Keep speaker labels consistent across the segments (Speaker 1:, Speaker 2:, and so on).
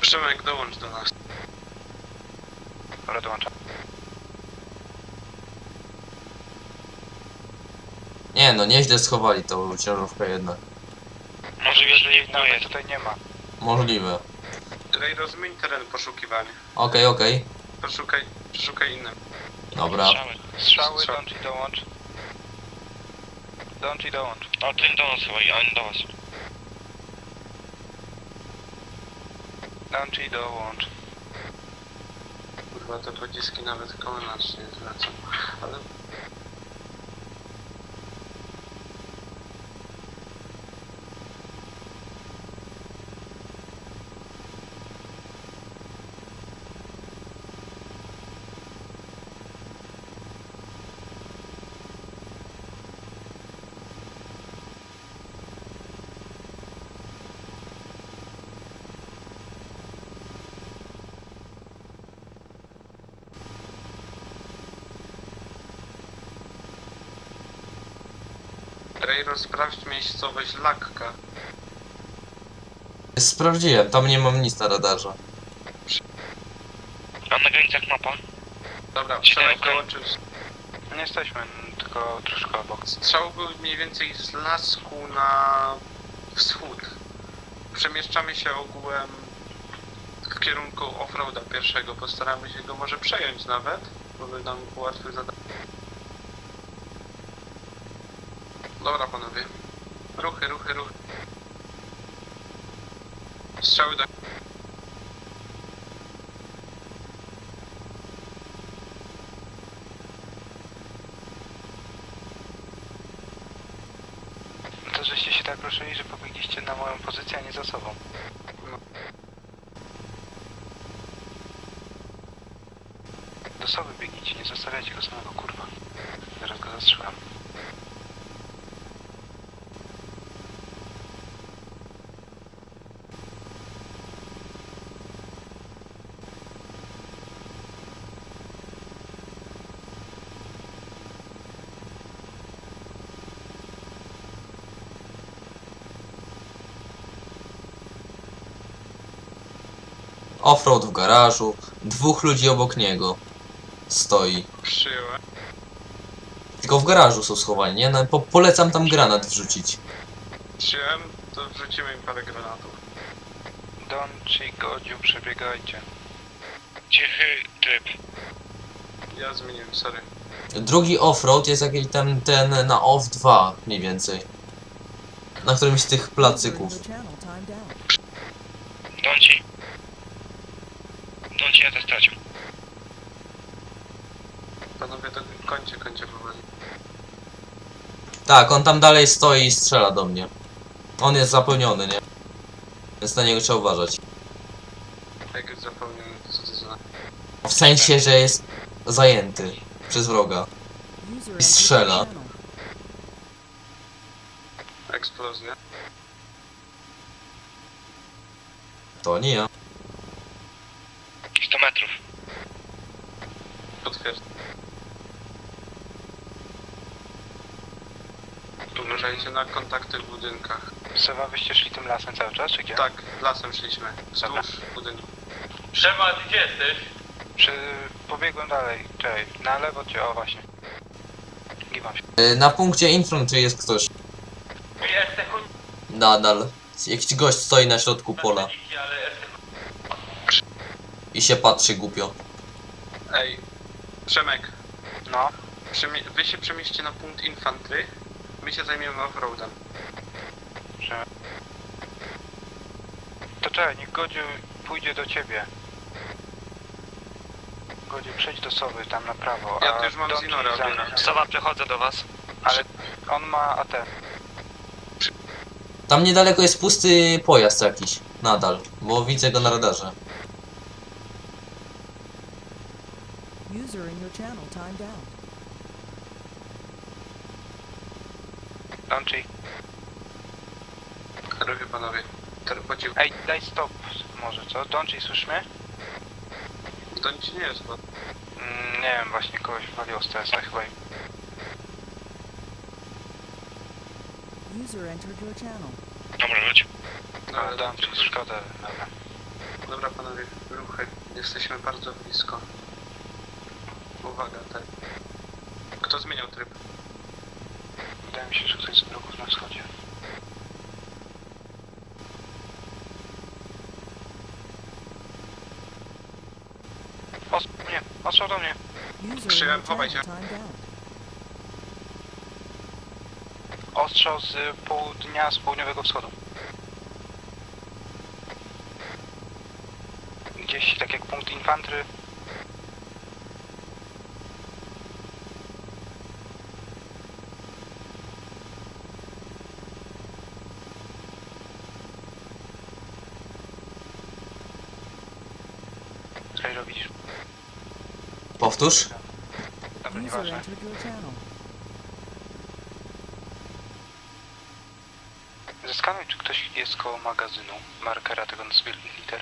Speaker 1: Przemek, dołącz do nas.
Speaker 2: Dobra, dołączam.
Speaker 3: Nie no, nieźle schowali tą ciężarówkę jednak.
Speaker 2: Możliwe, że jej nawet tutaj nie ma.
Speaker 3: Możliwe.
Speaker 1: Rejro, zmień teren poszukiwania.
Speaker 3: Okej.
Speaker 1: Przeszukaj innym.
Speaker 3: Dobra.
Speaker 2: Strzały, dołącz i dołącz. Dołącz i dołącz.
Speaker 4: O, ten do nas chyba, a on do was.
Speaker 2: Dołącz i dołącz.
Speaker 1: Kurwa, te pociski nawet koło nas nie zwracam. Ale... Rejro, sprawdź miejscowość Lakka.
Speaker 3: Sprawdziłem, tam nie mam nic na radarze.
Speaker 4: A na granicach mapa?
Speaker 1: Dobra,
Speaker 4: Czy
Speaker 1: Przemek
Speaker 4: daleko?
Speaker 1: dołączył.
Speaker 2: Nie jesteśmy, tylko troszkę obok.
Speaker 1: Strzał był mniej więcej z lasku na wschód. Przemieszczamy się ogółem w kierunku offroada pierwszego. Postaramy się go może przejąć nawet, bo by nam ułatwił zadanie. Dobra panowie. Ruchy. Strzały do...
Speaker 2: To żeście się tak ruszyli, że pobiegliście na moją pozycję, a nie za sobą.
Speaker 1: No.
Speaker 2: Do sowy biegnijcie, nie zostawiajcie go samego, kurwa. Zaraz go zastrzelam.
Speaker 3: Offroad w garażu, 2 ludzi obok niego stoi.
Speaker 1: Przyjąłem.
Speaker 3: Tylko w garażu są schowani, nie? No, polecam tam granat wrzucić.
Speaker 1: Przyjąłem, to wrzucimy im parę granatów.
Speaker 2: Dołącz i Godziu, przebiegajcie.
Speaker 4: Cichy tryb.
Speaker 1: Ja zmieniłem, sorry.
Speaker 3: Drugi offroad jest jakiś ten na OFF 2 mniej więcej. Na którymś z tych placyków.
Speaker 4: Dąci, ja to stracił.
Speaker 1: Panowie, to kończę powoli.
Speaker 3: Tak, on tam dalej stoi i strzela do mnie. On jest zapełniony, nie? Więc na niego trzeba uważać.
Speaker 1: Jak już zapomniałem, co to za...
Speaker 3: W sensie, że jest zajęty przez wroga.
Speaker 5: I
Speaker 3: strzela.
Speaker 1: Eksplozja.
Speaker 3: To nie ja.
Speaker 4: 100 metrów.
Speaker 1: Potwierdzam. Uważajcie na kontakty w budynkach.
Speaker 2: Sowa, wyście szli tym lasem cały czas, czy gdzie?
Speaker 1: Tak, lasem szliśmy.
Speaker 2: Dobra.
Speaker 1: Wzdłuż budynku.
Speaker 4: Przema, gdzie jesteś?
Speaker 2: Pobiegłem dalej, czekaj, na lewo cię, o właśnie. Giwam się.
Speaker 3: Na punkcie infantry jest ktoś. Nadal. Jakiś gość stoi na środku pola. I się patrzy głupio.
Speaker 1: Ej, Przemek,
Speaker 2: No,
Speaker 1: wy się przemieście na punkt infantry, my się zajmiemy offroadem.
Speaker 2: że... To czekaj, niech Godziu pójdzie do ciebie. Godziu, przejdź do Sowy, tam na prawo,
Speaker 1: Ja
Speaker 2: a
Speaker 1: tu już mam
Speaker 2: Dołącz
Speaker 1: Zinora
Speaker 2: za mną.
Speaker 1: obiera.
Speaker 4: Sowa, przechodzę do was.
Speaker 2: Ale on ma AT.
Speaker 3: Tam niedaleko jest pusty pojazd jakiś. Nadal. Bo widzę go na radarze.
Speaker 5: User in your channel timed out.
Speaker 2: Dołącz i...
Speaker 1: Ruchy panowie. Po cichu.
Speaker 2: Ej, daj stop może, co? Dołącz i słysz mnie?
Speaker 1: To nic nie jest, bo...
Speaker 2: Nie wiem, właśnie kogoś waliło z TS-a chyba.
Speaker 5: User entered your channel.
Speaker 4: Dobra, chodź.
Speaker 1: No,
Speaker 2: Ale dam ci szkodę, dobra.
Speaker 1: Dobra panowie, ruchy. Jesteśmy bardzo blisko. Uwaga, tak. Kto zmieniał tryb?
Speaker 2: Wydaje mi się, że ktoś z bloków na wschodzie. Nie, ostrzał do mnie.
Speaker 5: User in
Speaker 1: Przyjąłem,
Speaker 5: your
Speaker 1: chowaj
Speaker 5: channel
Speaker 1: się.
Speaker 5: timed out.
Speaker 2: Ostrzał z południa, z południowego wschodu. Gdzieś tak jak punkt infantry. Co robisz?
Speaker 3: Powtórz.
Speaker 2: Dobra,
Speaker 5: User
Speaker 2: nieważne.
Speaker 5: entered your channel.
Speaker 2: Zeskanuj, czy ktoś jest koło magazynu, markera tego z wielkich liter.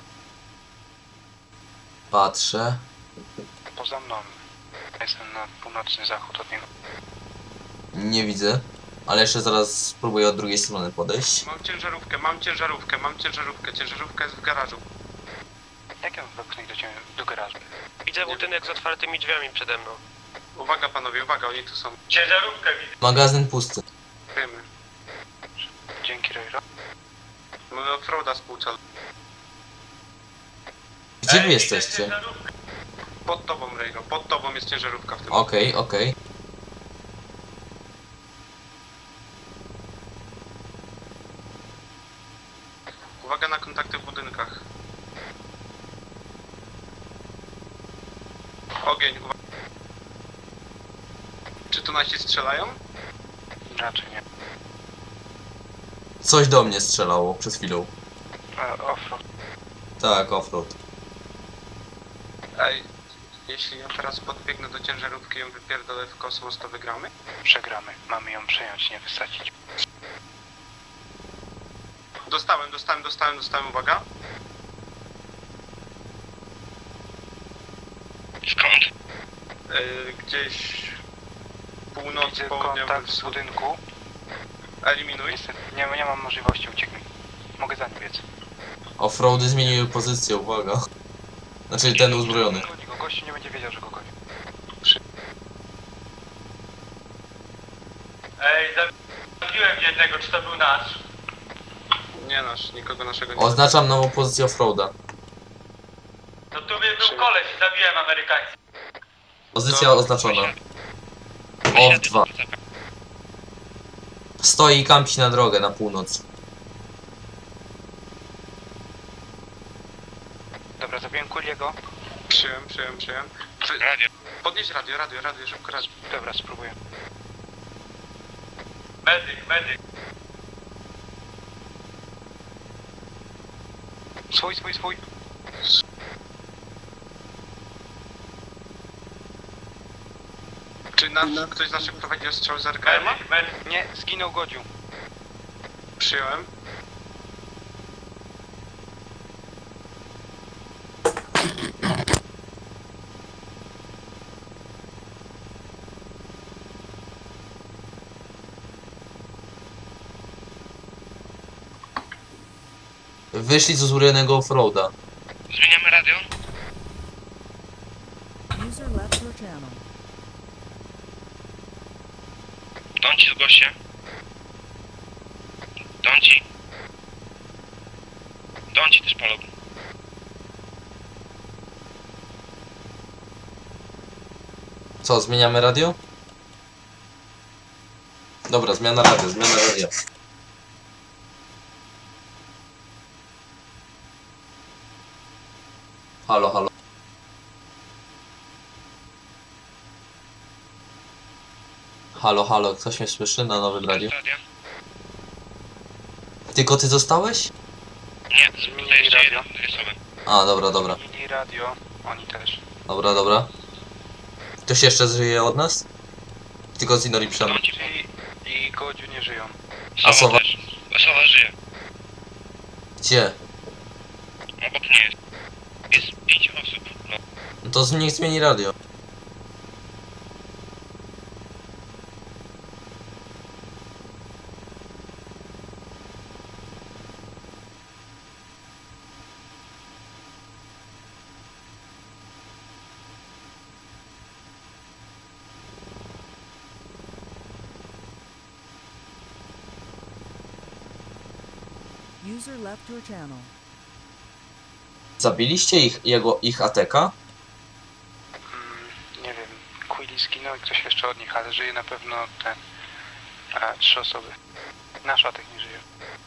Speaker 3: Patrzę.
Speaker 2: Poza mną. Jestem na północny zachód od niego.
Speaker 3: Nie widzę. Ale jeszcze zaraz spróbuję od drugiej strony podejść.
Speaker 1: Mam ciężarówkę, mam ciężarówkę, mam ciężarówkę. Ciężarówka jest w garażu.
Speaker 2: Jak ją wepchnąć do ciebie, do garażu?
Speaker 4: Widzę budynek z otwartymi drzwiami przede mną.
Speaker 1: Uwaga panowie, uwaga, oni tu są.
Speaker 4: Ciężarówkę widzę.
Speaker 3: Magazyn pusty.
Speaker 1: Wiemy.
Speaker 2: Dzięki, Rejro.
Speaker 1: Mamy offroada spółcal.
Speaker 3: Gdzie wy jesteście?
Speaker 1: Pod tobą, Rejno, pod tobą jest ciężarówka w tym.
Speaker 3: Okej, okej.
Speaker 1: Uwaga na kontakty w budynkach. Ogień, uwaga. Czy tu nasi strzelają?
Speaker 2: Raczej nie.
Speaker 3: Coś do mnie strzelało przed chwilą.
Speaker 2: Offroad.
Speaker 3: Tak, offroad.
Speaker 1: Ej, jeśli ja teraz podbiegnę do ciężarówki i ją wypierdolę w kosmos, to wygramy?
Speaker 2: Przegramy. Mamy ją przejąć, nie wysadzić.
Speaker 1: Dostałem, uwaga.
Speaker 4: Skąd?
Speaker 1: Gdzieś północ,
Speaker 2: Widzę
Speaker 1: południowy
Speaker 2: kontakt z
Speaker 1: wschód.
Speaker 2: budynku.
Speaker 1: Eliminuj.
Speaker 2: Niestety nie mam możliwości, ucieknij. Mogę za nim biec.
Speaker 3: Offroady zmieniły pozycję, uwaga. Znaczy ten uzbrojony.
Speaker 2: Goni go, gościu nie będzie wiedział, że go goni.
Speaker 4: Ej, zabiłem jednego, czy to był nasz?
Speaker 1: Nie nasz, nikogo naszego nie.
Speaker 3: Oznaczam nową pozycję offroada.
Speaker 4: No tu był koleś i zabiłem Amerykańców.
Speaker 3: Pozycja oznaczona. OF2. Stoi i kampi na drogę na północ.
Speaker 2: Dobra, zabiłem Kuliego.
Speaker 1: Przyjąłem.
Speaker 4: Radio.
Speaker 1: Podnieś radio, szybko radio.
Speaker 2: Dobra, spróbuję.
Speaker 4: Medyk.
Speaker 2: Swój.
Speaker 1: Czy ktoś z naszych prowadzi ostrzał z RKM-a?
Speaker 4: Medyk.
Speaker 2: Nie, zginął Godziu.
Speaker 1: Przyjąłem.
Speaker 3: Wyszli z uzbrojonego offroada.
Speaker 4: Zmieniamy radio?
Speaker 5: User left your channel.
Speaker 4: Dąci z goście. Dąci też palą.
Speaker 3: Co, zmieniamy radio? Dobra, zmiana radia. Halo. Halo, ktoś mnie słyszy na nowym radiu?
Speaker 4: Radio?
Speaker 3: Tylko ty zostałeś?
Speaker 4: Nie,
Speaker 2: Zmienili
Speaker 4: to jeszcze
Speaker 2: radio.
Speaker 4: jeden, dwie osoby.
Speaker 3: A, dobra.
Speaker 2: Zmienili radio. Oni też.
Speaker 3: Dobra. Ktoś jeszcze żyje od nas? Tylko Zinori Przem.
Speaker 4: Dąci
Speaker 2: I Godziu nie żyją.
Speaker 3: A Sowa?
Speaker 4: też. Sowa żyje.
Speaker 3: Gdzie?
Speaker 4: Obok mnie jest. Jest 5 osób. No.
Speaker 3: No to niech zmieni radio.
Speaker 5: User left your channel.
Speaker 3: Zabiliście ich ATK?
Speaker 2: Nie wiem, Quilly zginął i ktoś jeszcze od nich, ale żyje na pewno ten... 3 osoby. Nasz atek nie żyje.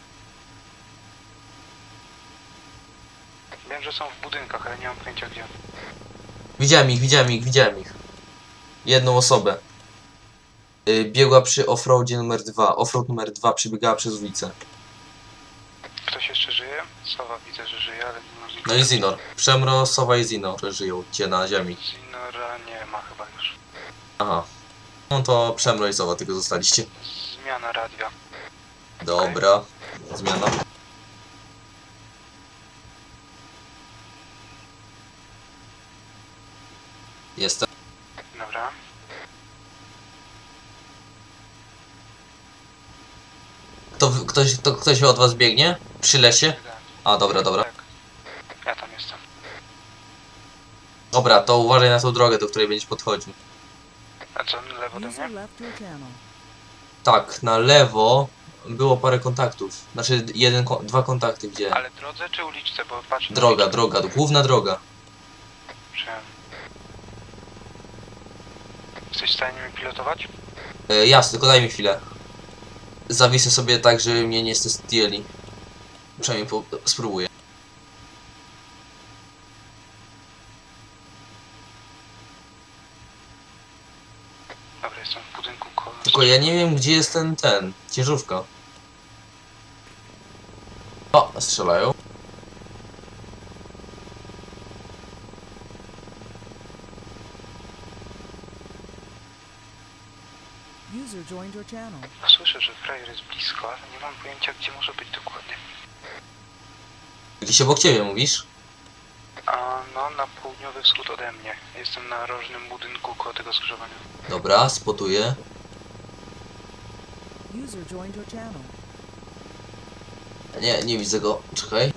Speaker 2: Wiem, że są w budynkach, ale nie mam pojęcia gdzie.
Speaker 3: Widziałem ich. Jedną osobę. Biegła przy offroadzie numer 2. Offroad numer 2 przebiegała przez ulicę.
Speaker 2: Ktoś jeszcze żyje? Sowa widzę, że żyje, ale nie mam...
Speaker 3: No i Zinor. Przemro, Sowa i Zinor żyją cię na ziemi.
Speaker 2: Zinora nie ma chyba już.
Speaker 3: Aha. No to Przemro i Sowa tylko zostaliście.
Speaker 2: Zmiana radia.
Speaker 3: Dobra. Zmiana. Jestem.
Speaker 2: Dobra.
Speaker 3: Ktoś od was biegnie? Przy lesie? A, dobra.
Speaker 2: Tak. Ja tam jestem.
Speaker 3: Dobra, to uważaj na tą drogę, do której będziesz podchodził.
Speaker 2: A co, na lewo do
Speaker 5: User
Speaker 2: mnie?
Speaker 5: left your channel.
Speaker 3: Tak, na lewo było parę kontaktów. Znaczy, dwa kontakty widziałem.
Speaker 2: Ale drodze czy uliczce? Bo patrzę... na
Speaker 3: Droga,
Speaker 2: uliczkę.
Speaker 3: główna droga.
Speaker 2: Przyjąłem. Jesteś w stanie mnie pilotować?
Speaker 3: Jasne, tylko daj mi chwilę. Zawisę sobie tak, żeby mnie nie zdjęli. Przynajmniej spróbuję.
Speaker 2: Dobra, jestem w budynku
Speaker 3: Tylko ja nie wiem, gdzie jest ten ciężarówka. O, strzelają.
Speaker 5: User joined your channel.
Speaker 2: Słyszę, że frajer jest blisko, ale nie mam pojęcia, gdzie może być dokładnie.
Speaker 3: Gdzieś obok ciebie mówisz?
Speaker 2: A no, na południowy wschód ode mnie. Jestem na rożnym budynku koło tego skrzyżowania.
Speaker 3: Dobra, spotuję.
Speaker 5: User joined your channel.
Speaker 3: Nie widzę go. Czekaj.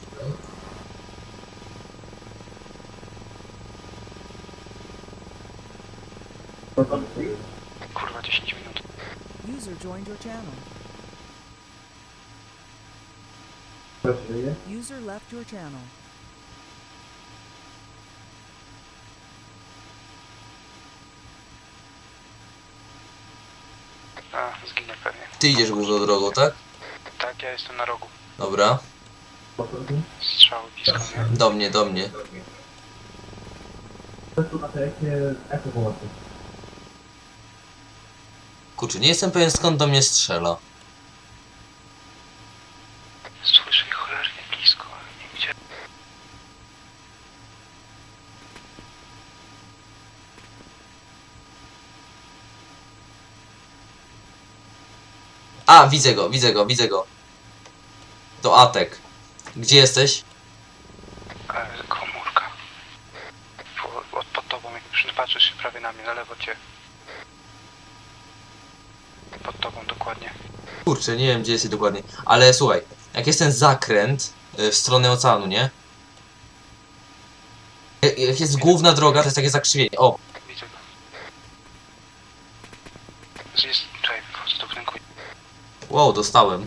Speaker 2: Kurwa, 10 minut.
Speaker 5: User joined your channel. User left your channel.
Speaker 2: A, zginę pewnie.
Speaker 3: Ty idziesz główną drogą, tak?
Speaker 2: Tak, ja jestem na rogu.
Speaker 3: Dobra.
Speaker 2: Strzały blisko mnie.
Speaker 3: Do mnie. Kurczę, nie jestem pewien, skąd do mnie strzela.
Speaker 2: Słyszę ich cholernie blisko, ale nie gdzie.
Speaker 3: A, widzę go. To Atek. Gdzie jesteś?
Speaker 2: Komórka. Pod tobą, jak przypatrzysz się prawie na mnie, na lewo cię. Pod tobą dokładnie.
Speaker 3: Kurczę, nie wiem, gdzie jesteś dokładnie. Ale słuchaj, jak jest ten zakręt w stronę oceanu, nie? Jak jest główna droga, to jest takie zakrzywienie. O,
Speaker 2: Widzę go. Jest... Czekaj, wychodzę do budynku.
Speaker 3: wow, dostałem.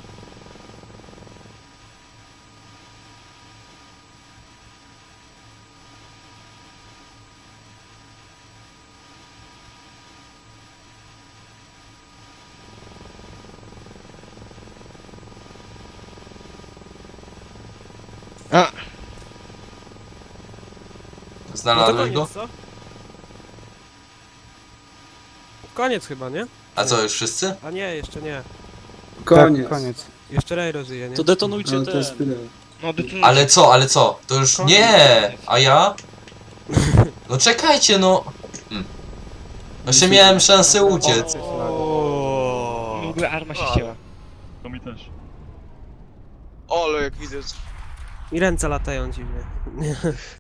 Speaker 6: A.
Speaker 3: Znalazłeś go?
Speaker 6: co? Koniec chyba, nie?
Speaker 3: A co, już wszyscy?
Speaker 6: A nie, jeszcze nie.
Speaker 7: Koniec.
Speaker 2: Tak, koniec.
Speaker 6: Jeszcze Rejro żyje, nie?
Speaker 7: To detonujcie
Speaker 2: Ale to jest tyle.
Speaker 4: No, detonujcie.
Speaker 3: Ale co? To już nie! A ja? No czekajcie, no! Jeszcze miałem szansę uciec.
Speaker 6: O.
Speaker 4: W ogóle arma się ścięła.
Speaker 8: To mi też.
Speaker 7: Ole, jak widzę.
Speaker 6: I ręce latają dziwnie.